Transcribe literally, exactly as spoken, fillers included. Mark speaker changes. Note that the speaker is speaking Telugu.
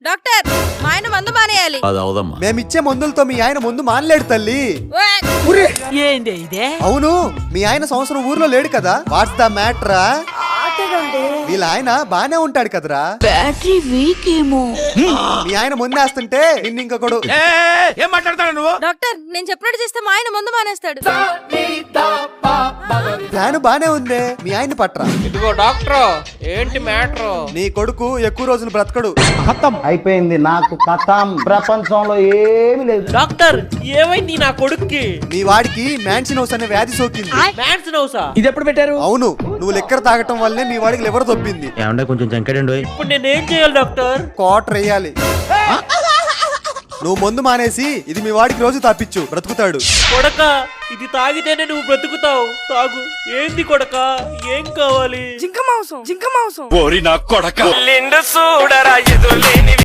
Speaker 1: డాక్టర్ మా ఆయన మందు మానేయాలి.
Speaker 2: అది అవదమ్మా.
Speaker 3: మేమిచ్చే మందులతో మీ ఆయన ముందు మానలేడు తల్లి.
Speaker 4: ఏంది ఇదే?
Speaker 3: అవును, మీ ఆయన సంవత్సరం ఊర్లో లేడు కదా. వాట్స్ ద మ్యాటరా? వీళ్ళ ఆయన బానే ఉంటాడు కదరా.
Speaker 5: బ్యాటరీ వీక్ ఏమో.
Speaker 3: మీ ఆయన ముందేస్తుంటే నిన్ను ఇంకొకడు.
Speaker 6: ఏం మాట్లాడతాడు నువ్వు?
Speaker 1: డాక్టర్ నేను చెప్పినట్టు చేస్తే మా ఆయన మందు మానేస్తాడు.
Speaker 3: ప్లాన్ బానే ఉందే, మీ ఆయన పట్రా.
Speaker 7: ఇదిగో డాక్టర్ ఏంటి మ్యాటర్?
Speaker 3: నీ కొడుకు ఎక్కువ రోజులు బ్రతకడు.
Speaker 8: అయిపోయింది నాకు కథం. ప్రపంచంలో ఏమీ లేదు.
Speaker 7: డాక్టర్ ఏమైంది నా కొడుక్కి?
Speaker 3: మీ వాడికి మ్యాన్సినోస్ అనే వ్యాధి సోకింది.
Speaker 7: మ్యాన్స్ నౌసా?
Speaker 6: ఇది ఎప్పుడు పెట్టారు?
Speaker 3: అవును, నువ్వు లెక్కర తాగటం వల్లే మీ వాడికి లివర్ దొబ్బింది.
Speaker 2: ఏమంటే కొంచెం చంకడండి.
Speaker 7: ఇప్పుడు నేనేం చేయాలి డాక్టర్?
Speaker 3: కోటర్ వేయాలి. నువ్వు మందు మానేసి ఇది మీ వాడికి రోజు తాపిచ్చు, బ్రతుకుతాడు.
Speaker 7: కొడక ఇది తాగితేనే నువ్వు బ్రతుకుతావు. తాగు. ఏంది కొడక? ఏం కావాలి?
Speaker 4: జింక మాంసం జింక మాంసం
Speaker 6: ఓరి నా కొడక.